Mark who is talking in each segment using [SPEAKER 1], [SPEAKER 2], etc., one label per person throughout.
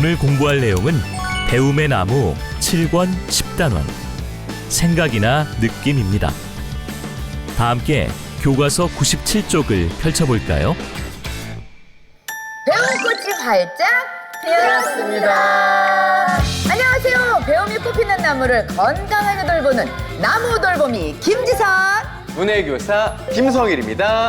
[SPEAKER 1] 오늘 공부할 내용은 배움의 나무 7권 10단원 생각이나 느낌입니다. 다 함께 교과서 97쪽을 펼쳐볼까요?
[SPEAKER 2] 배움 꽃이 활짝 피었습니다. 안녕하세요. 배움이 꽃피는 나무를 건강하게 돌보는 나무 돌보미 김지선
[SPEAKER 3] 문해교사 김성일입니다.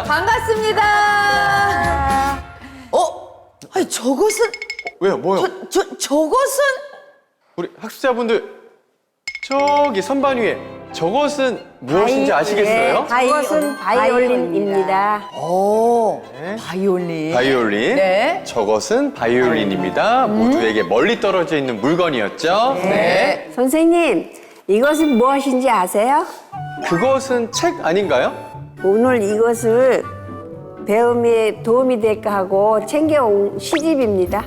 [SPEAKER 2] 반갑습니다. 아니 저것은
[SPEAKER 3] 왜요? 뭐요?
[SPEAKER 2] 저것은
[SPEAKER 3] 우리 학습자분들 저기 선반 위에 저것은 무엇인지 아시겠어요?
[SPEAKER 4] 그것은 바이올린입니다.
[SPEAKER 3] 네.
[SPEAKER 2] 바이올린.
[SPEAKER 3] 바이올린.
[SPEAKER 2] 네.
[SPEAKER 3] 저것은 바이올린입니다. 모두에게 멀리 떨어져 있는 물건이었죠.
[SPEAKER 2] 네.
[SPEAKER 4] 선생님, 이것은 무엇인지 아세요?
[SPEAKER 3] 그것은 책 아닌가요?
[SPEAKER 4] 오늘 이것을 배움에 도움이 될까 하고 챙겨온 시집입니다.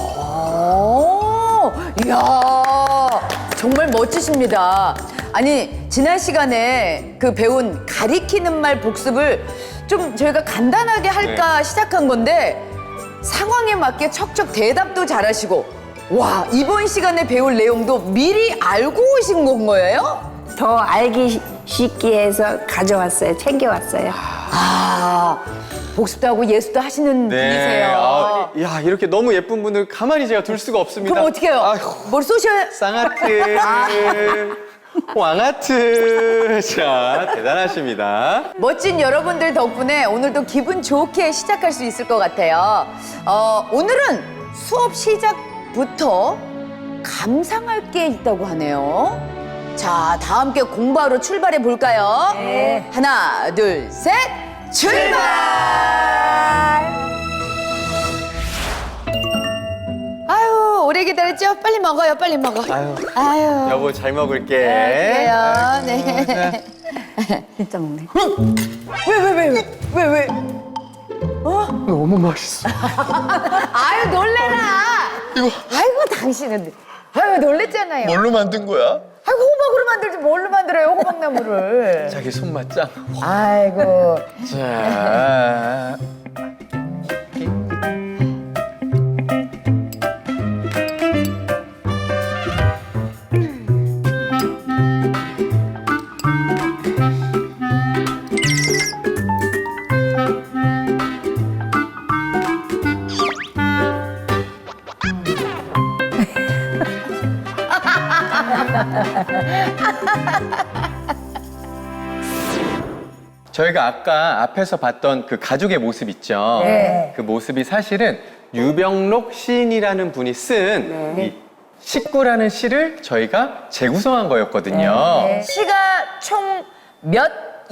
[SPEAKER 2] 이야, 정말 멋지십니다. 아니, 지난 시간에 그 배운 가리키는 말 복습을 좀 저희가 간단하게 할까 시작한 건데 상황에 맞게 척척 대답도 잘하시고 와, 이번 시간에 배울 내용도 미리 알고 오신 거예요?
[SPEAKER 4] 더 알기 쉽게 해서 가져왔어요. 챙겨왔어요.
[SPEAKER 2] 복습도 하고 예술도 하시는 분이세요.
[SPEAKER 3] 야, 이렇게 너무 예쁜 분을 가만히 제가 둘 수가 없습니다.
[SPEAKER 2] 그럼 어떻게 해요?
[SPEAKER 3] 아휴,
[SPEAKER 2] 뭘 쏘셔야?
[SPEAKER 3] 쌍하트, 왕하트. 자, 대단하십니다.
[SPEAKER 2] 멋진 여러분들 덕분에 오늘도 기분 좋게 시작할 수 있을 것 같아요. 오늘은 수업 시작부터 감상할 게 있다고 하네요. 자, 다 함께 공부하러 출발해 볼까요?
[SPEAKER 4] 네.
[SPEAKER 2] 하나, 둘, 셋, 출발! 아유, 오래 기다렸죠? 빨리 먹어요, 빨리 먹어. 아유.
[SPEAKER 3] 여보, 잘 먹을게.
[SPEAKER 2] 그래요, 네.
[SPEAKER 4] 진짜 먹네.
[SPEAKER 2] 왜?
[SPEAKER 3] 너무 맛있어.
[SPEAKER 2] 아유, 놀래라. 아이고, 당신은. 아유, 놀랬잖아요.
[SPEAKER 3] 뭘로 만든 거야?
[SPEAKER 2] 아이고, 호박으로 만들지 뭘로 만들어요, 호박나무를.
[SPEAKER 3] 자기 손맛 짱.
[SPEAKER 2] 아이고.
[SPEAKER 3] 자. 저희가 아까 앞에서 봤던 그 가족의 모습 있죠?
[SPEAKER 2] 네.
[SPEAKER 3] 그 모습이 사실은 유병록 시인이라는 분이 쓴 이 식구라는 시를 저희가 재구성한 거였거든요.
[SPEAKER 2] 시가 총 몇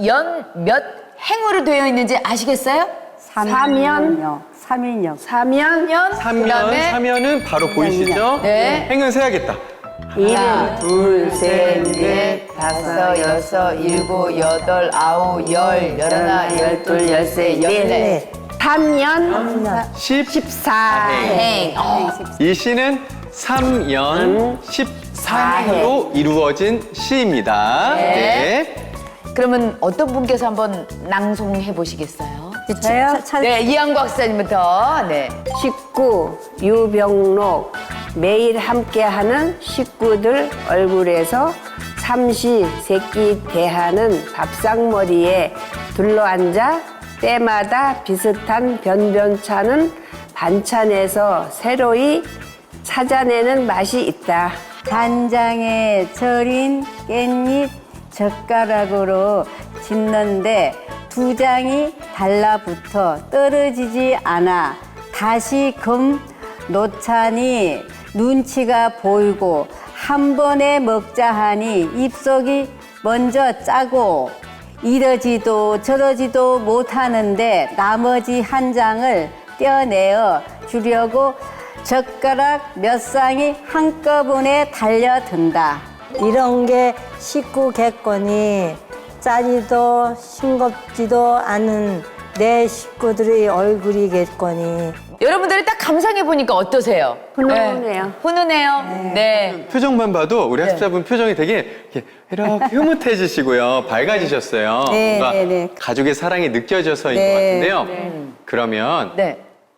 [SPEAKER 2] 행으로 되어 있는지 아시겠어요?
[SPEAKER 4] 사면요. 사면요.
[SPEAKER 2] 그다음에
[SPEAKER 3] 사면은 바로 보이시죠?
[SPEAKER 2] 네.
[SPEAKER 3] 행은 세야겠다.
[SPEAKER 2] 하나, 둘, 셋, 넷, 다섯, 여섯, 일곱, 여덟, 아홉, 열, 열하나, 열둘, 열세, 열네.
[SPEAKER 4] 3년
[SPEAKER 3] 14행. 이 시는 3연 14행으로 이루어진 시입니다.
[SPEAKER 2] 네. 그러면 어떤 분께서 한번 낭송해 보시겠어요?
[SPEAKER 4] 저요?
[SPEAKER 2] 네, 이한구 학사님부터. 네.
[SPEAKER 4] 식구, 유병록, 매일 함께하는 식구들 얼굴에서 삼시세끼 대하는 밥상머리에 둘러앉아 때마다 비슷한 변변찮은 반찬에서 새로이 찾아내는 맛이 있다.
[SPEAKER 5] 간장에 절인 깻잎 젓가락으로 집는데 두 장이 달라붙어 떨어지지 않아 다시금 놓자니 눈치가 보이고 한 번에 먹자 하니 입속이 먼저 짜고 이러지도 저러지도 못하는데 나머지 한 장을 떼어내어 주려고 젓가락 몇 쌍이 한꺼번에 달려든다. 이런 게 식구 객권이 짜지도 싱겁지도 않은 내 식구들의 얼굴이겠거니.
[SPEAKER 2] 여러분들이 딱 감상해 보니까 어떠세요?
[SPEAKER 4] 훈훈해요.
[SPEAKER 2] 훈훈해요? 네.
[SPEAKER 3] 표정만 봐도 우리 학습자분 표정이 되게 이렇게 흐뭇해지시고요. 밝아지셨어요.
[SPEAKER 5] 네,
[SPEAKER 3] 뭔가
[SPEAKER 5] 네, 네.
[SPEAKER 3] 가족의 사랑이 느껴져서인 것
[SPEAKER 5] 네.
[SPEAKER 3] 같은데요. 그러면
[SPEAKER 2] 네.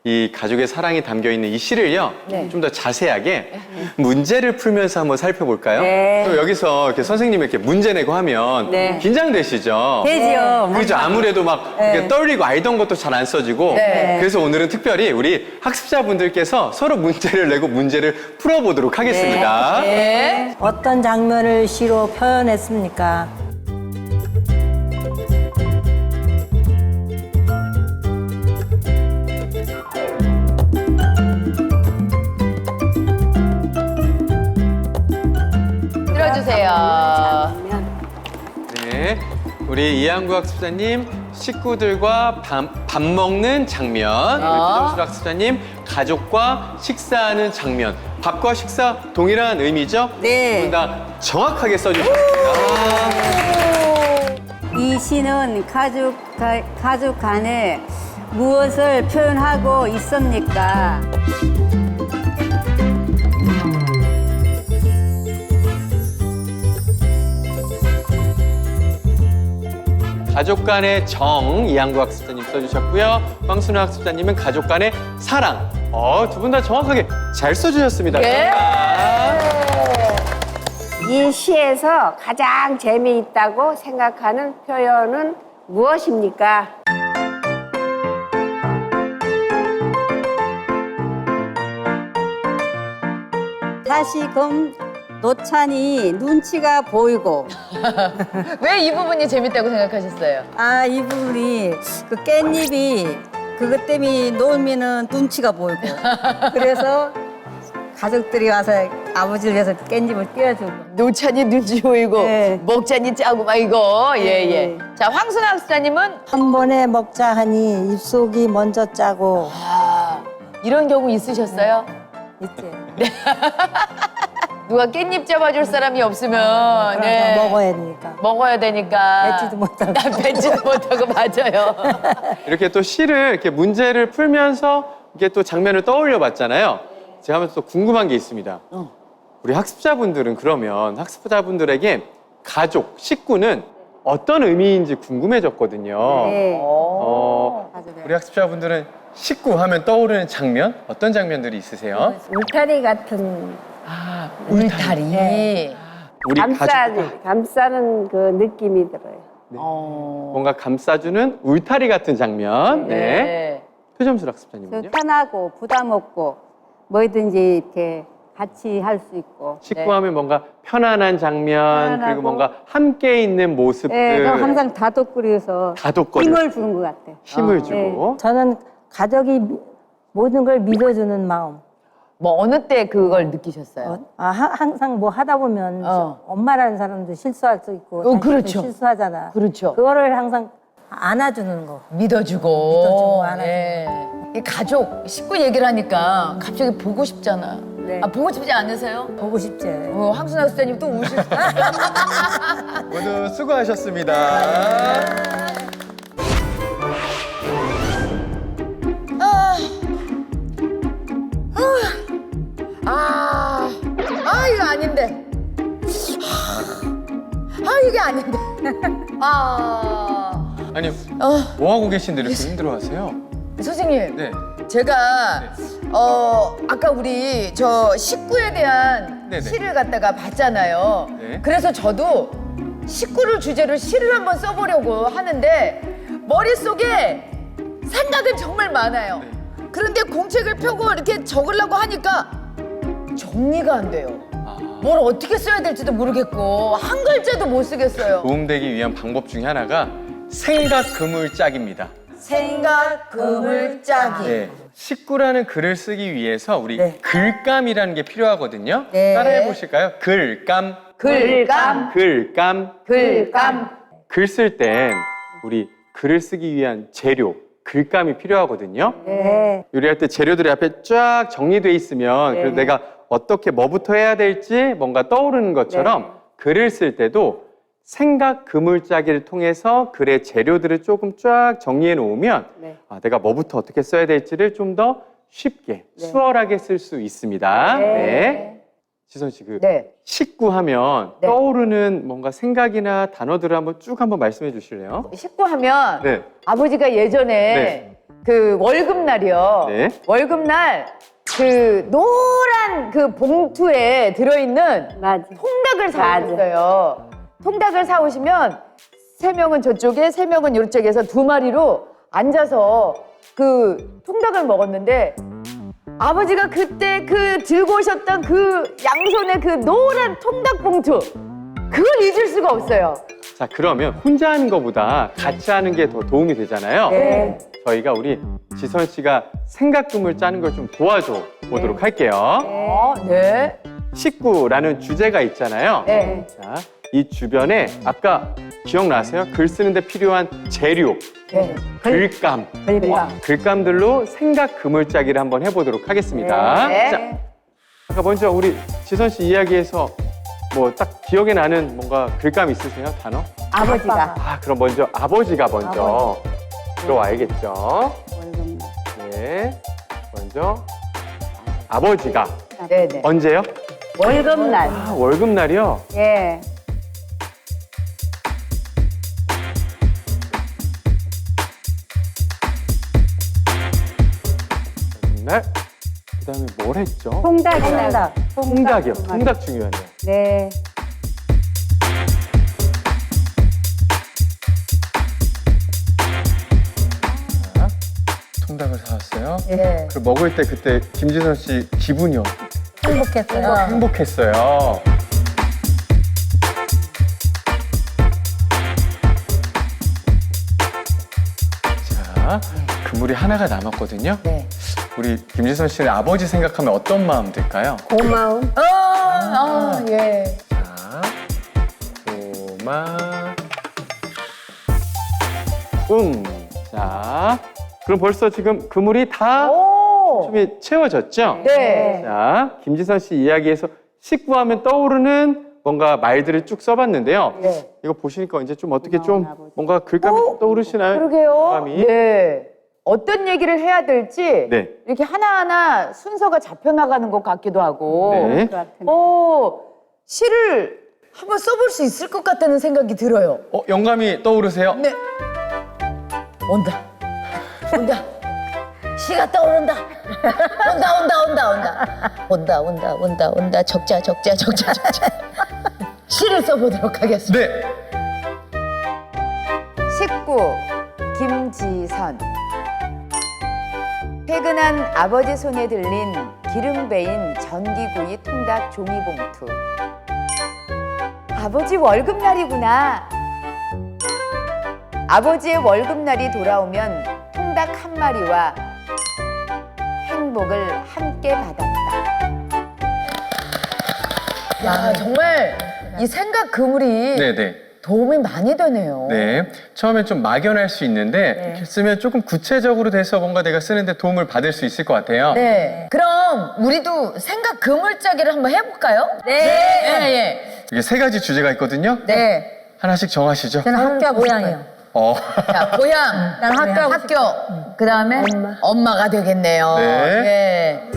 [SPEAKER 3] 이 가족의 사랑이 담겨 있는 이 시를요,
[SPEAKER 2] 네.
[SPEAKER 3] 좀 더 자세하게 문제를 풀면서 한번 살펴볼까요?
[SPEAKER 4] 네.
[SPEAKER 3] 또 여기서 이렇게 선생님이 이렇게 문제 내고 하면
[SPEAKER 4] 네.
[SPEAKER 3] 긴장되시죠?
[SPEAKER 5] 되지요.
[SPEAKER 3] 그죠? 아무래도 막 이렇게 떨리고 알던 것도 잘 안 써지고.
[SPEAKER 2] 네.
[SPEAKER 3] 그래서 오늘은 특별히 우리 학습자분들께서 서로 문제를 내고 문제를 풀어보도록 하겠습니다.
[SPEAKER 2] 네.
[SPEAKER 6] 어떤 장면을 시로 표현했습니까?
[SPEAKER 2] 들어주세요.
[SPEAKER 3] 네. 우리 이한구 학습자님, 식구들과 밥 먹는 장면. 우리 표정술 학습자님, 가족과 식사하는 장면. 밥과 식사 동일한 의미죠?
[SPEAKER 4] 네.
[SPEAKER 3] 두 분 다 정확하게 써주셨습니다.
[SPEAKER 5] 이 시는 가족 간에 무엇을 표현하고 있습니까?
[SPEAKER 3] 가족 간의 정, 이한구 학습자님 써주셨고요. 황순우 학습자님은 가족 간의 사랑. 두 분 다 정확하게 잘 써주셨습니다.
[SPEAKER 2] 네.
[SPEAKER 4] 이 시에서 가장 재미있다고 생각하는 표현은 무엇입니까?
[SPEAKER 5] 다시금 노찬이 눈치가 보이고
[SPEAKER 2] 왜 이 부분이 재밌다고 생각하셨어요?
[SPEAKER 6] 아, 이 부분이 그 깻잎이 그것 때문에 놀면은 눈치가 보이고 그래서 가족들이 와서 아버지를 위해서 깻잎을 띄워주고
[SPEAKER 2] 노찬이 눈치 보이고
[SPEAKER 6] 네.
[SPEAKER 2] 먹자니 짜고 막 이거 예예. 자 황순아 학습자님은
[SPEAKER 6] 한 번에 먹자 하니 입속이 먼저 짜고
[SPEAKER 2] 이런 경우 있으셨어요?
[SPEAKER 6] 있지.
[SPEAKER 2] 누가 깻잎 잡아줄 사람이 없으면 네.
[SPEAKER 6] 먹어야 되니까.
[SPEAKER 2] 먹어야 되니까
[SPEAKER 6] 뱉지도 못하고.
[SPEAKER 2] 뱉지도 못하고 맞아요.
[SPEAKER 3] 이렇게 또 시를 이렇게 문제를 풀면서 이게 또 장면을 떠올려 봤잖아요. 제가 하면서 또 궁금한 게 있습니다. 우리 학습자분들은 그러면 학습자분들에게 가족, 식구는 어떤 의미인지 궁금해졌거든요.
[SPEAKER 5] 네.
[SPEAKER 3] 우리 학습자분들은 식구 하면 떠오르는 장면? 어떤 장면들이 있으세요?
[SPEAKER 4] 울타리 같은
[SPEAKER 2] 울타리.
[SPEAKER 3] 우리
[SPEAKER 4] 감싸는 그 느낌이 들어요.
[SPEAKER 3] 뭔가 감싸주는 울타리 같은 장면. 네. 표점술 학습자님은요?
[SPEAKER 5] 편하고 부담 없고 뭐든지 이렇게 같이 할 수 있고.
[SPEAKER 3] 식구 하면 뭔가 편안한 장면,
[SPEAKER 5] 편안하고.
[SPEAKER 3] 그리고 뭔가 함께 있는 모습들.
[SPEAKER 5] 네, 그럼 항상 다독거려서
[SPEAKER 3] 다독거려.
[SPEAKER 5] 힘을 주는 것 같아요.
[SPEAKER 3] 힘을 주고.
[SPEAKER 6] 저는 가족이 모든 걸 믿어주는 마음.
[SPEAKER 2] 뭐 어느 때 그걸 느끼셨어요?
[SPEAKER 6] 항상 뭐 하다 보면 엄마라는 사람도 실수할 수 있고 자식도
[SPEAKER 2] 그렇죠.
[SPEAKER 6] 실수하잖아.
[SPEAKER 2] 그렇죠.
[SPEAKER 6] 그거를 항상 안아주는 거.
[SPEAKER 2] 믿어주고.
[SPEAKER 6] 안아주고.
[SPEAKER 2] 예. 이 가족, 식구 얘기를 하니까 갑자기 보고 싶잖아.
[SPEAKER 5] 네.
[SPEAKER 2] 보고 싶지 않으세요?
[SPEAKER 6] 보고 싶지.
[SPEAKER 2] 황순아 학습자님 또 우실 수
[SPEAKER 3] 모두 수고하셨습니다.
[SPEAKER 2] 이거 아닌데. 이게 아닌데.
[SPEAKER 3] 아니, 뭐 하고 계신데 이렇게 힘들어하세요?
[SPEAKER 2] 선생님,
[SPEAKER 3] 네.
[SPEAKER 2] 제가 아까 우리 저 식구에 대한
[SPEAKER 3] 네네.
[SPEAKER 2] 시를 갖다가 봤잖아요.
[SPEAKER 3] 네.
[SPEAKER 2] 그래서 저도 식구를 주제로 시를 한번 써보려고 하는데 머릿속에 생각은 정말 많아요.
[SPEAKER 3] 네.
[SPEAKER 2] 그런데 공책을 펴고 이렇게 적으려고 하니까 정리가 안 돼요. 뭘 어떻게 써야 될지도 모르겠고 한 글자도 못 쓰겠어요.
[SPEAKER 3] 도움되기 위한 방법 중에 하나가 생각 그물짝입니다.
[SPEAKER 2] 생각 그물짜기.
[SPEAKER 3] 네. 식구라는 글을 쓰기 위해서 우리
[SPEAKER 6] 네.
[SPEAKER 3] 글감이라는 게 필요하거든요.
[SPEAKER 6] 네.
[SPEAKER 3] 따라해 보실까요? 글감,
[SPEAKER 2] 글감,
[SPEAKER 3] 글감.
[SPEAKER 2] 글감.
[SPEAKER 3] 글 쓸 땐 우리 글을 쓰기 위한 재료, 글감이 필요하거든요.
[SPEAKER 6] 네.
[SPEAKER 3] 요리할 때 재료들이 앞에 쫙 정리돼 있으면 그래서 내가 어떻게 뭐부터 해야 될지 뭔가 떠오르는 것처럼 글을 쓸 때도 생각 그물짜기를 통해서 글의 재료들을 조금 쫙 정리해 놓으면 내가 뭐부터 어떻게 써야 될지를 좀 더 쉽게 수월하게 쓸 수 있습니다. 네. 지선 씨, 식구 하면 떠오르는 뭔가 생각이나 단어들을 한번 쭉 한번 말씀해 주실래요?
[SPEAKER 2] 식구 하면
[SPEAKER 3] 네.
[SPEAKER 2] 아버지가 예전에 그 월급날이요.
[SPEAKER 3] 네.
[SPEAKER 2] 월급날 그 노란 그 봉투에 들어있는
[SPEAKER 5] 맞아.
[SPEAKER 2] 통닭을 사오셨어요. 통닭을 사오시면 3명은 저쪽에 3명은 이쪽에서 2마리로 앉아서 그 통닭을 먹었는데 아버지가 그때 그 들고 오셨던 그 양손에 그 노란 통닭 봉투 그걸 잊을 수가 없어요.
[SPEAKER 3] 자, 그러면 혼자 하는 것보다 같이 하는 게 더 도움이 되잖아요.
[SPEAKER 2] 네.
[SPEAKER 3] 저희가 우리 지선 씨가 생각금을 짜는 걸 좀 도와줘 보도록 할게요.
[SPEAKER 2] 네.
[SPEAKER 3] 식구라는 주제가 있잖아요.
[SPEAKER 2] 네.
[SPEAKER 3] 자, 이 주변에 아까 기억나세요? 글 쓰는데 필요한 재료,
[SPEAKER 2] 네.
[SPEAKER 3] 글감, 글감들로 생각 그물짜기를 한번 해보도록 하겠습니다.
[SPEAKER 2] 네.
[SPEAKER 3] 자, 아까 먼저 우리 지선 씨 이야기에서 뭐 딱 기억에 나는 뭔가 글감 있으세요? 단어?
[SPEAKER 5] 아버지가.
[SPEAKER 3] 아, 그럼 먼저 아버지가 먼저 들어와야겠죠. 네, 먼저 아버지가
[SPEAKER 2] 네네.
[SPEAKER 3] 언제요?
[SPEAKER 5] 월급날.
[SPEAKER 3] 아, 월급날이요?
[SPEAKER 5] 예.
[SPEAKER 3] 월급날. 그다음에 뭘 했죠?
[SPEAKER 5] 통닭이요.
[SPEAKER 3] 통닭이요. 통닭 중요하네요.
[SPEAKER 5] 네.
[SPEAKER 3] 자, 통닭을 사왔어요.
[SPEAKER 2] 네.
[SPEAKER 3] 그리고 먹을 때 그때 김지선 씨 기분이요?
[SPEAKER 6] 행복했어요.
[SPEAKER 3] 행복했어요. 자, 그물이 하나가 남았거든요.
[SPEAKER 2] 네.
[SPEAKER 3] 우리 김지선 씨는 아버지 생각하면 어떤 마음 들까요?
[SPEAKER 4] 고마움.
[SPEAKER 2] 예.
[SPEAKER 3] 자, 자, 그럼 벌써 지금 그물이 다
[SPEAKER 2] 오.
[SPEAKER 3] 춤이 채워졌죠?
[SPEAKER 2] 네.
[SPEAKER 3] 자, 김지선 씨 이야기에서 식구하면 떠오르는 뭔가 말들을 쭉 써봤는데요.
[SPEAKER 2] 네.
[SPEAKER 3] 이거 보시니까 이제 좀 어떻게 좀 뭔가 글감이 떠오르시나요?
[SPEAKER 2] 그러게요.
[SPEAKER 3] 글감이.
[SPEAKER 2] 네. 어떤 얘기를 해야 될지
[SPEAKER 3] 네.
[SPEAKER 2] 이렇게 하나하나 순서가 잡혀나가는 것 같기도 하고
[SPEAKER 3] 네.
[SPEAKER 2] 시를 한번 써볼 수 있을 것 같다는 생각이 들어요.
[SPEAKER 3] 영감이 떠오르세요?
[SPEAKER 2] 네. 온다. 온다. 시가 떠오른다. 온다. 적자. 시를 써보도록 하겠습니다.
[SPEAKER 3] 네.
[SPEAKER 2] 식구 김지선. 퇴근한 아버지 손에 들린 기름 베인 전기구이 통닭 종이봉투. 아버지 월급날이구나. 아버지의 월급날이 돌아오면 통닭 한 마리와 행복을 함께 받았다. 야, 정말 이 생각 그물이
[SPEAKER 3] 네네.
[SPEAKER 2] 도움이 많이 되네요.
[SPEAKER 3] 네. 처음엔 좀 막연할 수 있는데 이렇게 쓰면 조금 구체적으로 돼서 뭔가 내가 쓰는데 도움을 받을 수 있을 것 같아요.
[SPEAKER 2] 네. 그럼 우리도 생각 그물짜기를 한번 해볼까요? 네.
[SPEAKER 3] 이게 3가지 주제가 있거든요.
[SPEAKER 2] 네.
[SPEAKER 3] 하나씩 정하시죠.
[SPEAKER 6] 저는 학교 고향이요.
[SPEAKER 2] 자, 고향.
[SPEAKER 6] 난 학교.
[SPEAKER 2] 학교. 그 다음에 엄마가 되겠네요.
[SPEAKER 3] 네.
[SPEAKER 2] 네.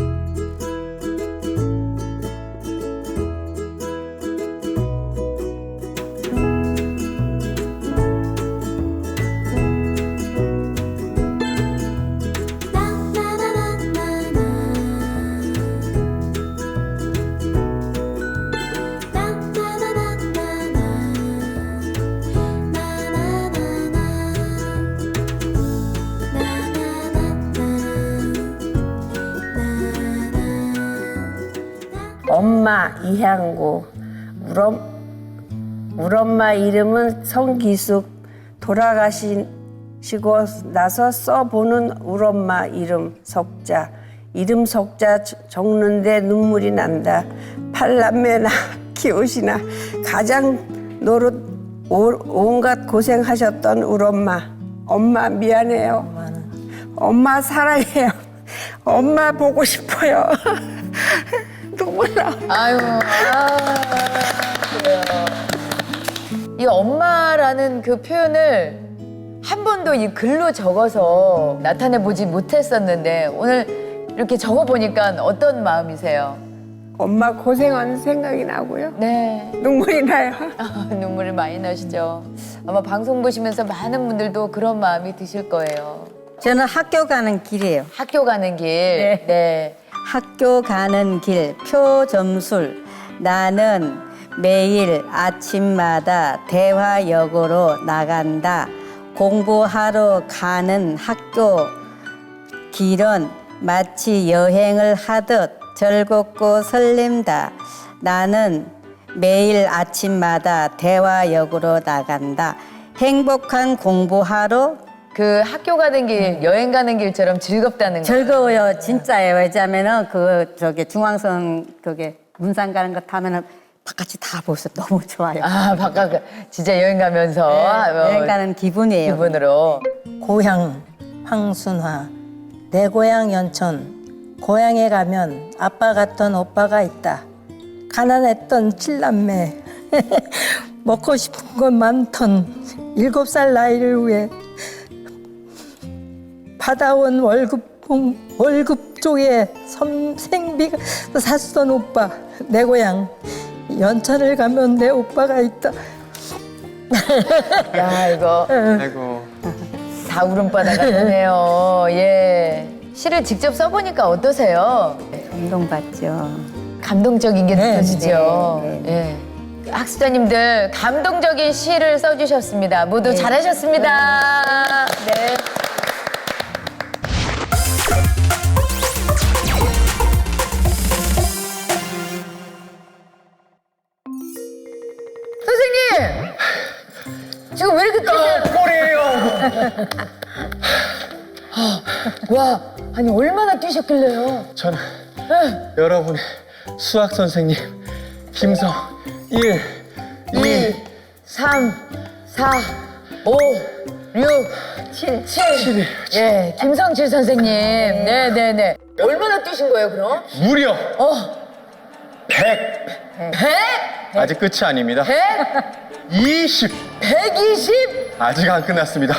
[SPEAKER 4] 엄마 이향구. 우리 엄마 이름은 성기숙. 돌아가시고 나서 써보는 우리 엄마 이름 석자. 이름 석자 적는데 눈물이 난다. 팔남매나 키우시나 가장 노릇 온갖 고생하셨던 우리 엄마. 엄마 미안해요. 엄마 사랑해요. 엄마 보고 싶어요. 눈물 나.
[SPEAKER 2] 그래요. 이 엄마라는 그 표현을 한 번도 이 글로 적어서 나타내보지 못했었는데 오늘 이렇게 적어보니까 어떤 마음이세요?
[SPEAKER 4] 엄마 고생한 생각이 나고요.
[SPEAKER 2] 네.
[SPEAKER 4] 눈물이 나요.
[SPEAKER 2] 눈물이 많이 나시죠? 아마 방송 보시면서 많은 분들도 그런 마음이 드실 거예요.
[SPEAKER 6] 저는 학교 가는 길이에요.
[SPEAKER 2] 학교 가는 길.
[SPEAKER 6] 네.
[SPEAKER 2] 네.
[SPEAKER 6] 학교 가는 길 표점술. 나는 매일 아침마다 대화역으로 나간다. 공부하러 가는 학교 길은 마치 여행을 하듯 즐겁고 설렘다. 나는 매일 아침마다 대화역으로 나간다. 행복한 공부하러
[SPEAKER 2] 그 학교 가는 길, 여행 가는 길처럼 즐겁다는 거.
[SPEAKER 6] 즐거워요. 진짜예요. 왜냐하면은 중앙선 문산 가는 거 타면은 바깥이 다 보여서 너무 좋아요.
[SPEAKER 2] 아, 바깥 진짜 여행 가면서
[SPEAKER 6] 여행 가는 기분이에요.
[SPEAKER 2] 기분으로.
[SPEAKER 7] 고향 황순화 내 고향 연천 고향에 가면 아빠 같던 오빠가 있다. 가난했던 칠남매 먹고 싶은 건 많던 7살 나이를 위해 받아온 월급 쪽에 생비가 샀던 오빠. 내 고향 연천을 가면 내 오빠가 있다.
[SPEAKER 2] 야, 이거
[SPEAKER 3] 아이고.
[SPEAKER 2] 다 울음바다가 되네요. 예. 시를 직접 써보니까 어떠세요?
[SPEAKER 6] 감동받죠.
[SPEAKER 2] 감동적인 게
[SPEAKER 7] 네,
[SPEAKER 2] 느껴지죠.
[SPEAKER 6] 네,
[SPEAKER 2] 예. 학습자님들 감동적인 시를 써주셨습니다. 모두 잘하셨습니다. 네. 선생님! 지금 왜 이렇게 뛰세요?
[SPEAKER 3] 꼬리예요.
[SPEAKER 2] 와, 아니 얼마나 뛰셨길래요?
[SPEAKER 3] 저는 여러분의 수학 선생님 김성 1, 2,
[SPEAKER 2] 3, 4, 5, 6, 7.
[SPEAKER 3] 7.
[SPEAKER 2] 예, 김성칠 선생님. 네네네. 얼마나 뛰신 거예요, 그럼?
[SPEAKER 3] 무려
[SPEAKER 2] 어,
[SPEAKER 3] 100.
[SPEAKER 2] 100?
[SPEAKER 3] 아직 끝이 아닙니다.
[SPEAKER 2] 100?
[SPEAKER 3] 20.
[SPEAKER 2] 120?
[SPEAKER 3] 아직 안 끝났습니다.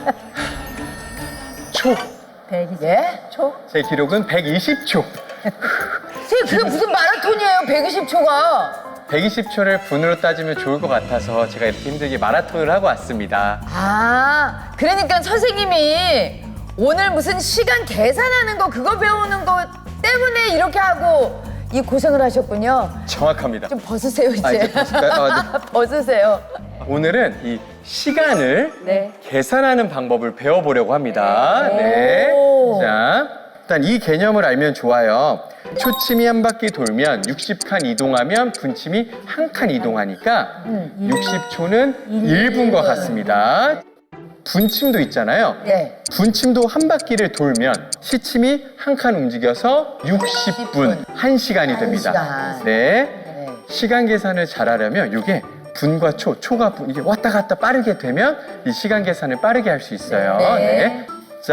[SPEAKER 3] 초.
[SPEAKER 2] 예?
[SPEAKER 3] 제 기록은 120초.
[SPEAKER 2] 선생님, 그게 무슨 마라톤이에요, 120초가.
[SPEAKER 3] 120초를 분으로 따지면 좋을 것 같아서 제가 이렇게 힘들게 마라톤을 하고 왔습니다.
[SPEAKER 2] 아, 그러니까 선생님이 오늘 무슨 시간 계산하는 거, 그거 배우는 거 때문에 이렇게 하고 이 고생을 하셨군요.
[SPEAKER 3] 정확합니다.
[SPEAKER 2] 좀 벗으세요, 이제.
[SPEAKER 3] 이제 벗을까요?
[SPEAKER 2] 벗으세요.
[SPEAKER 3] 오늘은 이 시간을
[SPEAKER 2] 네.
[SPEAKER 3] 계산하는 방법을 배워보려고 합니다. 네.
[SPEAKER 2] 오.
[SPEAKER 3] 자, 일단 이 개념을 알면 좋아요. 초침이 한 바퀴 돌면 60칸 이동하면 분침이 한 칸 이동하니까 60초는 1분과 같습니다. 분침도 있잖아요.
[SPEAKER 2] 네.
[SPEAKER 3] 분침도 한 바퀴를 돌면 시침이 한 칸 움직여서 60분, 1시간이 됩니다.
[SPEAKER 2] 시간.
[SPEAKER 3] 네.
[SPEAKER 2] 네.
[SPEAKER 3] 시간 계산을 잘하려면 이게 분과 초가 이게 왔다 갔다 빠르게 되면 이 시간 계산을 빠르게 할 수 있어요.
[SPEAKER 2] 네.
[SPEAKER 3] 네.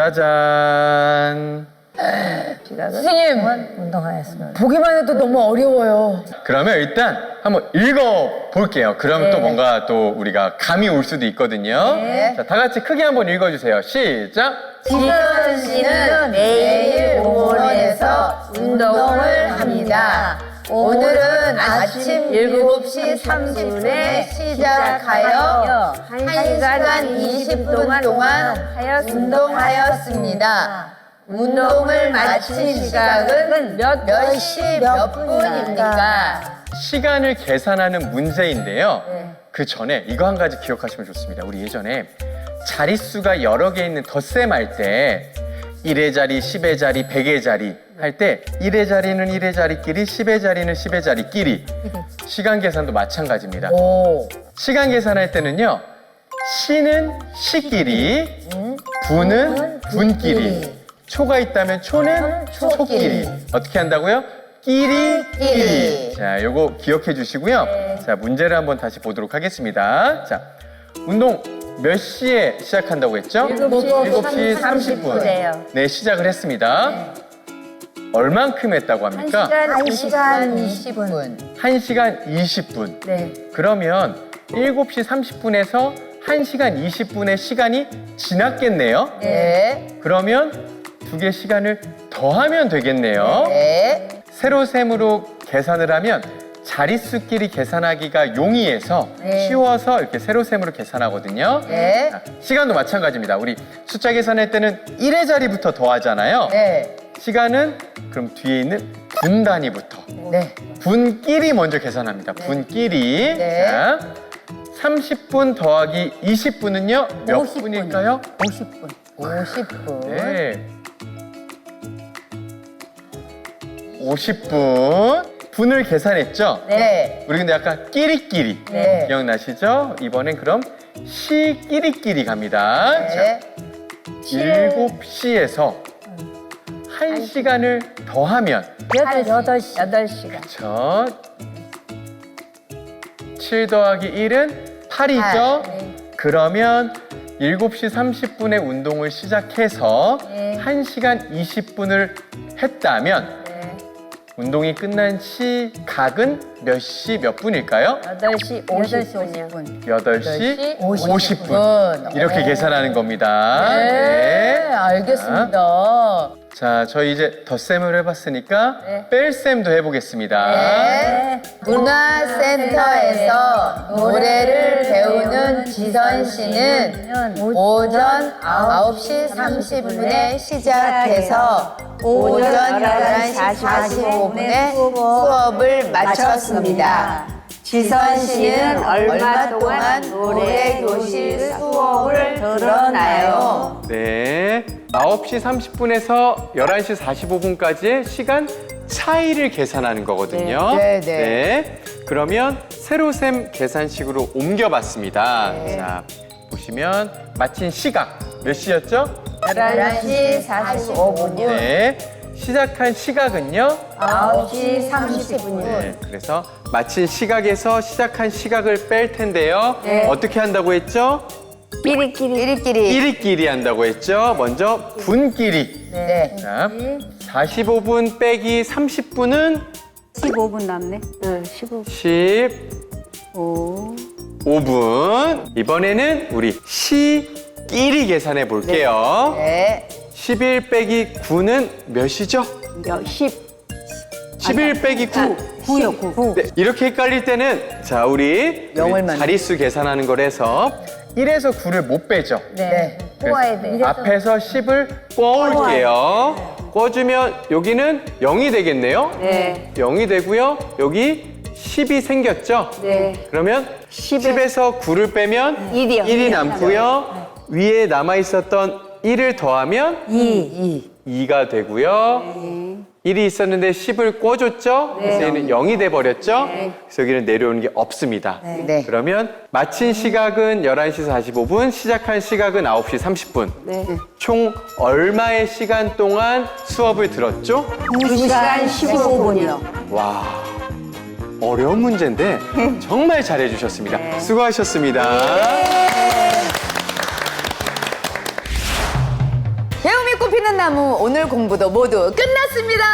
[SPEAKER 3] 짜잔.
[SPEAKER 2] 선생님,
[SPEAKER 7] 운동하였습니다.
[SPEAKER 2] 보기만 해도 너무 어려워요.
[SPEAKER 3] 그러면 일단 한번 읽어 볼게요. 그러면 또 뭔가 또 우리가 감이 올 수도 있거든요.
[SPEAKER 2] 네.
[SPEAKER 3] 자, 다 같이 크게 한번 읽어주세요. 시작.
[SPEAKER 2] 지선 씨는 내일 공원에서 운동을 합니다. 오늘은 아침 7시 30분에 시작하여 1시간 20분 동안 운동하였습니다. 운동을 마친 시각은 몇 시 몇 분입니까?
[SPEAKER 3] 시간을 계산하는 문제인데요. 그 전에 이거 한 가지 기억하시면 좋습니다. 우리 예전에 자릿수가 여러 개 있는 덧셈 할 때 1의 자리, 10의 자리, 100의 자리 할 때 1의 자리는 1의 자리끼리, 10의 자리는 10의 자리끼리. 시간 계산도 마찬가지입니다.
[SPEAKER 2] 오.
[SPEAKER 3] 시간 계산할 때는요. 시는 시끼리, 분은 분끼리, 초가 있다면 초는 초끼리. 어떻게 한다고요? 끼리. 자, 요거 기억해 주시고요. 자, 문제를 한번 다시 보도록 하겠습니다. 자, 운동 몇 시에 시작한다고 했죠? 7시 30분. 네, 시작을 했습니다. 얼만큼 했다고 합니까?
[SPEAKER 2] 1시간 20분.
[SPEAKER 3] 1시간 20분.
[SPEAKER 2] 네.
[SPEAKER 3] 그러면 7시 30분에서 1시간 20분의 시간이 지났겠네요.
[SPEAKER 2] 네.
[SPEAKER 3] 그러면 두 개 시간을 더하면 되겠네요.
[SPEAKER 2] 네.
[SPEAKER 3] 세로셈으로 계산을 하면 자릿수끼리 계산하기가 용이해서
[SPEAKER 2] 네.
[SPEAKER 3] 쉬워서 이렇게 세로셈으로 계산하거든요.
[SPEAKER 2] 네.
[SPEAKER 3] 자, 시간도 마찬가지입니다. 우리 숫자 계산할 때는 1의 자리부터 더하잖아요.
[SPEAKER 2] 네.
[SPEAKER 3] 시간은 그럼 뒤에 있는 분 단위부터.
[SPEAKER 2] 네.
[SPEAKER 3] 분끼리 먼저 계산합니다. 분끼리.
[SPEAKER 2] 네.
[SPEAKER 3] 자, 30분 더하기 20분은요? 몇
[SPEAKER 6] 50분.
[SPEAKER 3] 분일까요?
[SPEAKER 6] 50분.
[SPEAKER 2] 50분.
[SPEAKER 3] 네. 50분. 분을 계산했죠?
[SPEAKER 2] 네.
[SPEAKER 3] 우리 근데 아까 끼리끼리.
[SPEAKER 2] 네.
[SPEAKER 3] 기억나시죠? 이번엔 그럼 시끼리끼리 갑니다.
[SPEAKER 2] 네.
[SPEAKER 3] 자, 7시에서 1시간을 더하면
[SPEAKER 6] 8시간.
[SPEAKER 3] 그쵸? 7 더하기 1은 8이죠? 그러면 7시 30분에 운동을 시작해서 1시간 20분을 했다면 운동이 끝난 시각은 몇 시 몇 분일까요?
[SPEAKER 6] 8시 50분이요.
[SPEAKER 3] 8시 50분.
[SPEAKER 2] 분.
[SPEAKER 3] 이렇게 계산하는 겁니다.
[SPEAKER 2] 네. 알겠습니다.
[SPEAKER 3] 자, 저희 이제 덧셈을 해봤으니까 뺄셈도 해보겠습니다.
[SPEAKER 2] 네. 문화센터에서 노래를 배우는 지선 씨는 오전 9시 30분에 시작해서 오전 11시 45분에 수업을 마쳤습니다. 지선 씨는 얼마 동안 노래 교실 수업을 들었나요?
[SPEAKER 3] 네. 9시 30분에서 11시 45분까지의 시간 차이를 계산하는 거거든요.
[SPEAKER 2] 네, 네.
[SPEAKER 3] 그러면 세로셈 계산식으로 옮겨봤습니다. 자, 보시면 마친 시각 몇 시였죠?
[SPEAKER 2] 11시 45분이요.
[SPEAKER 3] 네. 시작한 시각은요?
[SPEAKER 2] 9시 30분.
[SPEAKER 3] 네. 그래서 마친 시각에서 시작한 시각을 뺄 텐데요. 어떻게 한다고 했죠?
[SPEAKER 2] 끼리끼리.
[SPEAKER 3] 끼리끼리 한다고 했죠. 먼저 분끼리.
[SPEAKER 2] 네.
[SPEAKER 3] 자, 45분 빼기 30분은
[SPEAKER 5] 15분 남네. 응, 15분.
[SPEAKER 3] 15분. 이번에는 우리 시끼리 계산해 볼게요.
[SPEAKER 2] 네.
[SPEAKER 3] 11 빼기 9는 몇이죠? 11 빼기 9.
[SPEAKER 5] 9요, 9.
[SPEAKER 3] 네, 이렇게 헷갈릴 때는 자, 우리
[SPEAKER 2] 영을만.
[SPEAKER 3] 자릿수 계산하는 거라서 1에서 9를 못 빼죠.
[SPEAKER 2] 네.
[SPEAKER 6] 꼬아야 돼.
[SPEAKER 3] 앞에서 10을 꿔올게요. 꿔주면 여기는 0이 되겠네요.
[SPEAKER 5] 네.
[SPEAKER 3] 0이 되고요. 여기 10이 생겼죠?
[SPEAKER 5] 네.
[SPEAKER 3] 그러면 10에서 9를 빼면
[SPEAKER 5] 1이요.
[SPEAKER 3] 1이 남고요. 위에 남아있었던 1을 더하면 2가 되고요. 1이 있었는데 10을 꿔줬죠? 그래서 얘는 0이 돼버렸죠? 그래서 여기는 내려오는 게 없습니다.
[SPEAKER 2] 네.
[SPEAKER 3] 그러면 마친 시각은 11시 45분, 시작한 시각은 9시 30분.
[SPEAKER 5] 네.
[SPEAKER 3] 총 얼마의 시간 동안 수업을 들었죠?
[SPEAKER 5] 2시간 15분이요.
[SPEAKER 3] 와, 어려운 문제인데 정말 잘해주셨습니다. 수고하셨습니다.
[SPEAKER 2] 배움이 꽃피는 나무 오늘 공부도 모두 끝났습니다.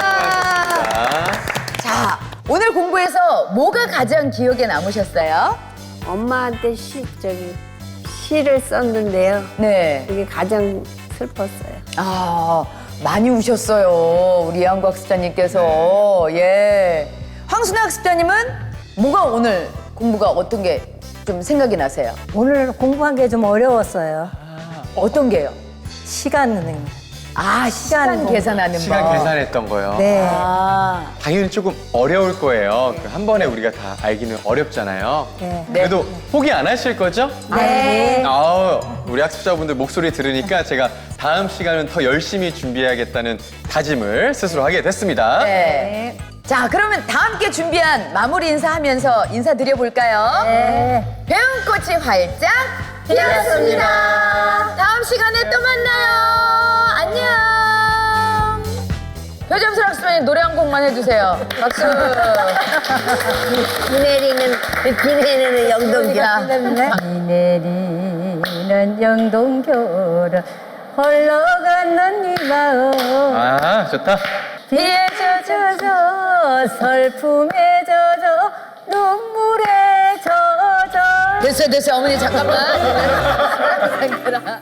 [SPEAKER 2] 자, 오늘 공부에서 뭐가 가장 기억에 남으셨어요?
[SPEAKER 4] 엄마한테 시를 썼는데요.
[SPEAKER 2] 네.
[SPEAKER 4] 그게 가장 슬펐어요.
[SPEAKER 2] 아, 많이 우셨어요. 우리 이한구 학습자님께서. 예. 황순아 학습자님은 뭐가 오늘 공부가 어떤 게 좀 생각이 나세요?
[SPEAKER 6] 오늘 공부한 게 좀 어려웠어요.
[SPEAKER 2] 어떤 게요?
[SPEAKER 6] 시간은.
[SPEAKER 2] 아, 시간
[SPEAKER 6] 공부.
[SPEAKER 2] 계산하는
[SPEAKER 3] 시간
[SPEAKER 2] 법.
[SPEAKER 3] 계산했던 거요.
[SPEAKER 6] 네.
[SPEAKER 2] 아,
[SPEAKER 3] 당연히 조금 어려울 거예요. 한 번에 우리가 다 알기는 어렵잖아요.
[SPEAKER 6] 네.
[SPEAKER 3] 그래도 포기 안 하실 거죠?
[SPEAKER 2] 네.
[SPEAKER 3] 아우, 우리 학습자분들 목소리 들으니까 제가 다음 시간은 더 열심히 준비해야겠다는 다짐을 스스로 하게 됐습니다.
[SPEAKER 2] 네. 자, 그러면 다 함께 준비한 마무리 인사하면서 인사드려볼까요?
[SPEAKER 6] 네.
[SPEAKER 2] 배운 꽃이 활짝 피었습니다. 다음 시간에 또 만나요. 안녕. 표점술 학습자님 노래 한 곡만 해주세요. 박수.
[SPEAKER 4] 비 내리는 영동이야.
[SPEAKER 6] 비 내리는 영동교로 흘러가는 이 마음.
[SPEAKER 3] 아, 좋다.
[SPEAKER 6] 비에 젖어서 슬픔에 젖어 눈물에 젖어
[SPEAKER 2] 됐어요, 됐어요. 어머니 잠깐만.